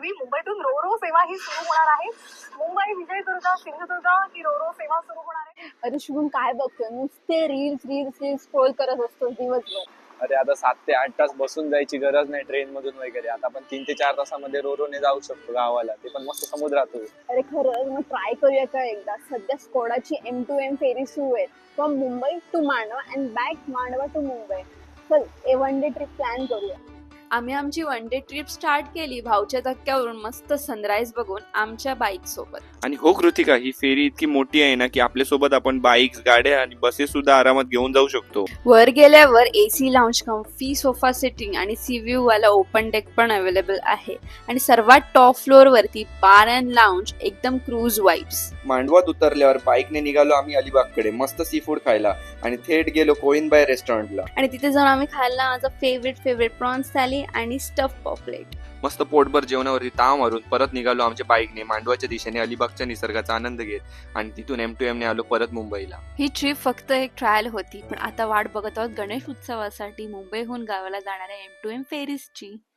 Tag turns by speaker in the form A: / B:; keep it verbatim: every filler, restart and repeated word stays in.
A: पूर्वी मुंबईतून row ro सेवा ही सुरू होणार आहे. मुंबई, विजयदुर्ग, सिंधुदुर्ग ही रो रो सेवा सुरू होणार आहे.
B: अरे शुभम काय बघतोय, नुसते रील्स रील्स रील्स स्क्रोल करत असतो दिवसभर.
C: अरे आता सात ते आठ तास बसून जायची गरज नाही ट्रेन मधून वगैरे. आता आपण तीन ते चार तासामध्ये रोरोने जाऊ शकतो गावाला, ते पण मस्त समुद्रातून.
B: अरे खरंच मग ट्राय करूया का एकदा. सध्या स्कोडाची एम टू एम फेरी सुरू आहे, from Mumbai to Mandwa and back Mandwa to Mumbai. चल a one day trip plan करूया.
D: आम्ही आमची वन डे ट्रिप स्टार्ट केली भाऊच्या धक्क्यावरून मस्त सनराईज बघून आमच्या बाईक सोबत.
E: आणि हो कृतिका, ही फेरी इतकी मोठी आहे ना की आपल्या सोबत आपण बाईक्स, गाड्या आणि बसेस सुद्धा आरामात घेऊन जाऊ शकतो.
D: वर गेल्यावर AC lounge, comfy sofa sitting आणि सी व्ह्यू वाला ओपन डेक पण अवेलेबल आहे. आणि सर्वात टॉप फ्लोअर वरती बार अँड लाऊंज, एकदम क्रूज वाईब्स.
E: मांडवात उतरल्यावर बाईकने निघालो आम्ही अलिबागकडे मस्त सी फूड खायला आणि थेट गेलो कोइनबाय रेस्टॉरंटला.
D: आणि तिथे जाऊन आम्ही खाल्ला माझा फेवरेट फेवरेट प्रॉन्स थाली आणि स्टफ पॉपलेट.
E: मस्त पोटभर जेवणावरती ताव मारून परत निघालो आमच्या बाईकने मांडवाच्या दिशेने अलिबागच्या निसर्गाचा आनंद घेत आणि तिथून एम टू एम ने आलो परत मुंबईला.
D: ही ट्रिप फक्त एक ट्रायल होती, पण आता वाट बघत आहोत गणेश उत्सवासाठी मुंबईहून गावाला जाणाऱ्या एम टू एम फेरीजची.